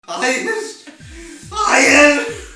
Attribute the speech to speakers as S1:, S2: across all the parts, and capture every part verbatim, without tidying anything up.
S1: Hayır. Hayır.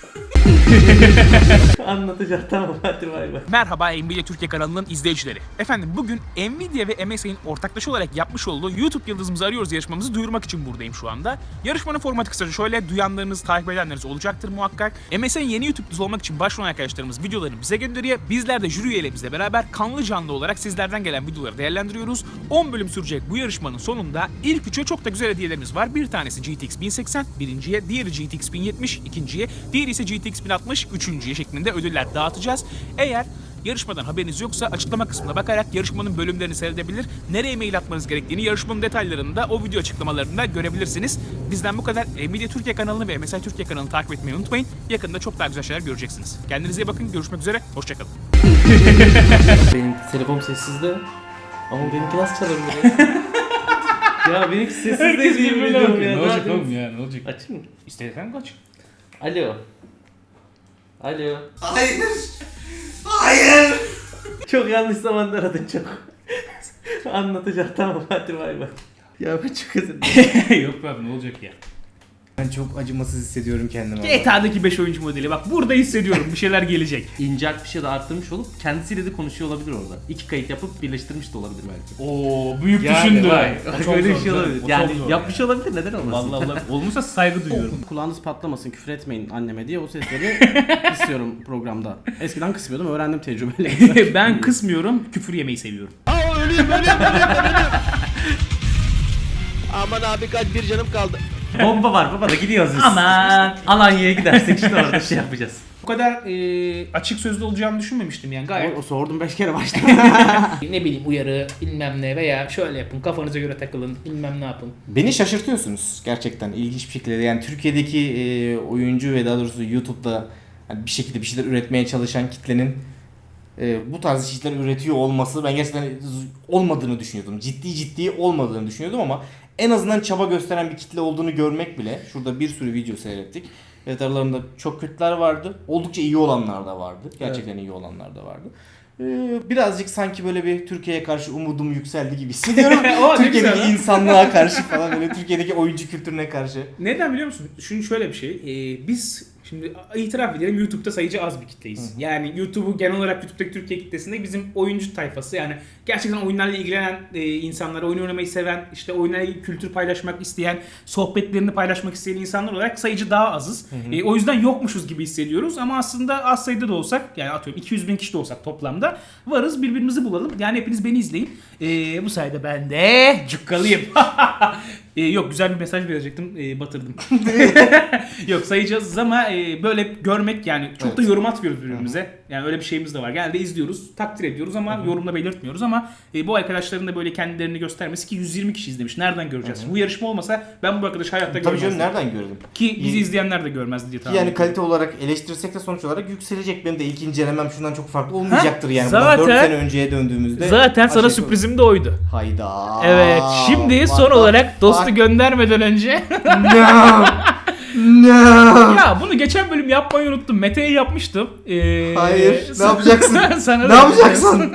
S2: Anlatacak, tamam, hadi bay bay.
S3: Merhaba Nvidia Türkiye kanalının izleyicileri. Efendim bugün Nvidia ve M S I'nin ortaklaşa olarak yapmış olduğu YouTube Yıldızımızı Arıyoruz yarışmamızı duyurmak için buradayım şu anda. Yarışmanın formatı kısaca şöyle, duyanlarınız, takip edenleriniz olacaktır muhakkak. M S I'nin yeni YouTube Yıldızı olmak için başvuran arkadaşlarımız videolarını bize gönderiyor. Bizler de jüri üyelerimizle beraber kanlı canlı olarak sizlerden gelen videoları değerlendiriyoruz. on bölüm sürecek bu yarışmanın sonunda ilk üçe çok da güzel hediyelerimiz var. Bir tanesi G T X bin seksen, birinciye, diğeri G T X bin yetmiş, ikinciye, diğeri ise G T X bin altmış, üçüncüye şeklinde ödüller dağıtacağız. Eğer yarışmadan haberiniz yoksa açıklama kısmına bakarak yarışmanın bölümlerini seyredebilir, nereye mail atmanız gerektiğini yarışmanın detaylarını da o video açıklamalarında görebilirsiniz. Bizden bu kadar. Nvidia Türkiye kanalını ve M S I Türkiye kanalını takip etmeyi unutmayın. Yakında çok daha güzel şeyler göreceksiniz. Kendinize iyi bakın. Görüşmek üzere. Hoşçakalın.
S2: Benim telefon sessizde. Ama benimki nasıl çalabilir ya? Ya benimki sessizde yemin ediyorum ya.
S4: Ne olacak
S2: Zaten-
S4: oğlum ya, ne olacak?
S2: Açayım mı?
S4: İstersen kaç.
S2: Alo. Alo.
S1: Hayır. Hayır.
S2: Çok yanlış zamanda aradın çok. Anlatacak, tamam, hadi bay bay. Ya ben çok özür dilerim.
S4: Yok be abi, ne olacak ya? Ben çok acımasız hissediyorum kendimi.
S3: G T A'daki beş oyuncu modeli. Bak burada hissediyorum. Bir şeyler gelecek.
S2: İnceltmiş ya da arttırmış olup kendisiyle de konuşuyor olabilir orada. İki kayıt yapıp birleştirmiş de olabilir belki.
S3: Oo, büyük
S2: Yani
S3: düşündü.
S2: vay,
S3: O çok
S2: böyle bir
S3: zor
S2: şey
S3: canım,
S2: olabilir.
S3: o çok
S2: Yani
S3: zor
S2: yapmış olabilir, neden olmasın?
S3: Vallahi Allah. Olmuşsa saygı duyuyorum.
S5: Kulağınız patlamasın, küfür etmeyin anneme diye o sesleri istiyorum programda. Eskiden kısmıyordum, öğrendim tecrübeyle.
S3: Ben kısmıyorum. Küfür yemeyi seviyorum.
S6: Aman abi kaç bir canım kaldı.
S2: Bomba var baba da gidiyoruz biz.
S3: Aman.
S2: Alanya'ya gidersek işte orada şey yapacağız.
S3: Bu kadar e, açık sözlü olacağını düşünmemiştim yani gayet.
S5: O, o sordum beş kere başta.
S3: Ne bileyim uyarı bilmem ne veya şöyle yapın kafanıza göre takılın bilmem ne yapın.
S6: Beni şaşırtıyorsunuz gerçekten ilginç bir şekilde. Yani Türkiye'deki e, oyuncu ve daha doğrusu YouTube'da hani bir şekilde bir şeyler üretmeye çalışan kitlenin e, bu tarz şeyler üretiyor olması ben gerçekten z- olmadığını düşünüyordum. Ciddi ciddi olmadığını düşünüyordum ama en azından çaba gösteren bir kitle olduğunu görmek bile. Şurada bir sürü video seyrettik. Evet, aralarında çok kötüler vardı. Oldukça iyi olanlar da vardı. Gerçekten iyi olanlar da vardı. Ee, birazcık sanki böyle bir Türkiye'ye karşı umudum yükseldi gibi hissediyorum.
S3: O ne
S6: Türkiye'deki
S3: güzel lan.
S6: insanlığa karşı falan böyle Türkiye'deki oyuncu kültürüne karşı.
S3: Neden biliyor musun? Şimdi şöyle bir şey. e, biz şimdi itiraf edelim YouTube'da sayıcı az bir kitleyiz. Yani YouTube'u genel olarak YouTube'daki Türkiye kitlesinde bizim oyuncu tayfası yani gerçekten oyunlarla ilgilenen e, insanlar, oyun oynamayı seven, işte oyunlarla ilgili kültür paylaşmak isteyen, sohbetlerini paylaşmak isteyen insanlar olarak sayıcı daha azız. E, o yüzden yokmuşuz gibi hissediyoruz ama aslında az sayıda da olsak yani atıyorum iki yüz bin kişi de olsak toplamda varız, birbirimizi bulalım. Yani hepiniz beni izleyin. E, bu sayede ben de cukkalıyım. e, yok güzel bir mesaj verecektim, e, batırdım. Yok sayacağız ama e, böyle görmek yani çok
S6: Evet.
S3: da yorum atmıyoruz birbirimize. Yani öyle bir şeyimiz de var. Genelde izliyoruz, takdir ediyoruz ama yorumla belirtmiyoruz ama e, bu arkadaşların da böyle kendilerini göstermesi ki yüz yirmi kişi izlemiş. Nereden göreceğiz? Bu yarışma olmasa ben bu arkadaşı hayatta
S6: Tabii canım,
S3: görmezdim.
S6: nereden gördüm?
S3: Ki bizi izleyenler de görmezdi diye
S6: Ki
S3: tahmin
S6: yani
S3: ediyorum.
S6: kalite olarak eleştirsek de sonuç olarak yükselecek. Benim de ilk incelemem şundan çok farklı olmayacaktır yani. Bundan
S3: zaten-
S6: dört sene önceye döndüğümüzde.
S3: Zaten sana
S6: aşağı-
S3: sürprizim de oydu.
S6: Hayda.
S3: Evet. Şimdi
S6: What
S3: son
S6: the
S3: olarak dostu
S6: fuck?
S3: göndermeden önce
S6: No. No.
S3: ya bunu geçen bölüm yapmayı unuttum. Mete'ye yapmıştım. Ee,
S6: Hayır. Ne
S3: sana-
S6: yapacaksın?
S3: sana
S6: Ne
S3: da
S6: yapacaksın?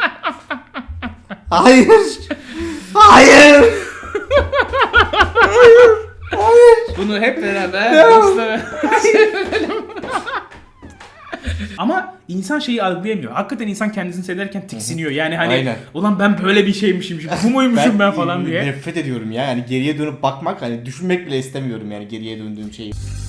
S6: Hayır. Hayır.
S3: Bunu hep beraber dostlar- Ama insan şeyi algılayamıyor. Hakikaten insan kendisini seyrederken tiksiniyor. Yani hani
S6: Aynen.
S3: ulan ben böyle bir şeymişim, şimdi, bu muymuşum ben, falan diye.
S6: Nefret ediyorum ya. Yani geriye dönüp bakmak, hani düşünmek bile istemiyorum yani geriye döndüğüm şeyi.